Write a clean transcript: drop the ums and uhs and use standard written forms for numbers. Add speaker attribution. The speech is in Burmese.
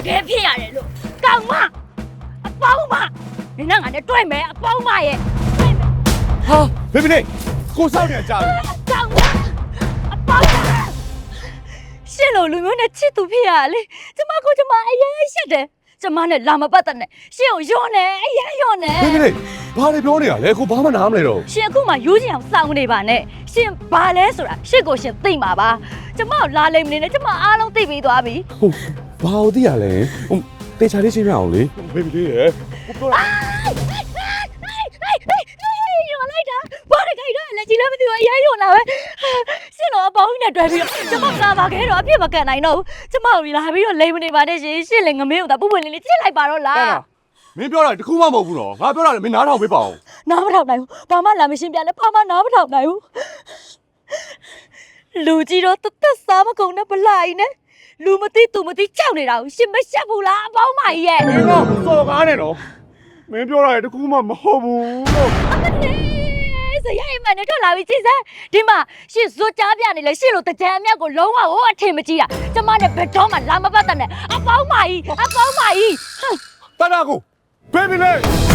Speaker 1: ခဲဖြစ်ရတယ်လို့ကောင်မအပေါင်းမနင်ကငါနဲ့တွေ့မယ်အပေါင်းမရဲ့တွေ့မယ်
Speaker 2: ဟာဘေဘီလေးကိုစောက်နေကြပြီ
Speaker 1: ကောင်မအပေါင်းမရှင်းလို့လူမျိုးနဲ့ချစ်သူဖြစ်ရလေကျမကိုကျမအရင်ရှက်တယ်ကျမနဲ့လာမပတ်တဲ့နဲ့ရှင်းကိုယွန်းနေအရင်ယွန်းနေ
Speaker 2: ဘေဘီလေးဘာတွေပြောနေရလဲကိုဘာမှနားမလဲတော့
Speaker 1: ရှင်အခုမှယူချင်အောင်စောင်းနေပါနဲ့ရှင်ဘာလဲဆိုတာရှစ်ကိုရှင်သိမှာပါကျမကိုလာလိမ့်မနေနဲ့ကျမအားလုံးသိပြီးသွားပြီ
Speaker 2: ဟုတ်ဘာလို့သိရလဲတေချာလေးရှင်းပြအောင်လေဘေဘီလေးရယ်ကိုပြောတာ
Speaker 1: ယွန်းလိုက်တာဘာလဲခိုင်တော့လက်ကြီးလည်းမသိဘူးအရင်ယွန်းလာပဲရှင်တော့အပေါင်းနဲ့တွေ့ပြီးတော့ကျမလာပါခဲ့တော့အပြစ်မကန်နိုင်တော့ဘူးကျမကိုလာပြီးတော့လိမ့်မနေပါနဲ့ရှင်ရှင်းလည်းငမင်းကိုသာပုပ်ပွင့်လေးချစ်လိုက်ပါတော့လား
Speaker 2: မင်းပြောတာတခုမှမဟုတ်ဘူးနော်ငါပြောတာလည်းမင်းနားထောင်ပေးပါအောင်
Speaker 1: နားမထောင်နိုင်ဘူးဘာမှလာမရှင်းပြနဲ့ဘာမှနားမထောင်နိုင်ဘူးလူကြီးတော့တသက်စားမကုန်နဲ့ဗလိုက်နဲ့လူမသိသူမသိကြောက်နေတာကိုရှင်မရှက်ဘူးလားအပေါင်းမကြီးရဲ့
Speaker 2: မင်းတော့စော်ကားနေနော်မင်းပြောတာလည်းတခုမှမဟုတ်ဘူးလို့
Speaker 1: အမလေးစရိုက်မှနဲ့ထွက်လာပြီကြည်စမ်းဒီမှာရှင်ဇွတ်ကြားပြနေလဲရှင်လို့တကြံအမြတ်ကိုလုံးဝဟိုအထင်မကြီးတာကျမနဲ့ဘယ်တော့မှလာမပတ်တဲ့နဲ့အပေါင်းမကြီးအပေါင်းမကြီး
Speaker 2: တနာကိုဘေဘီလေး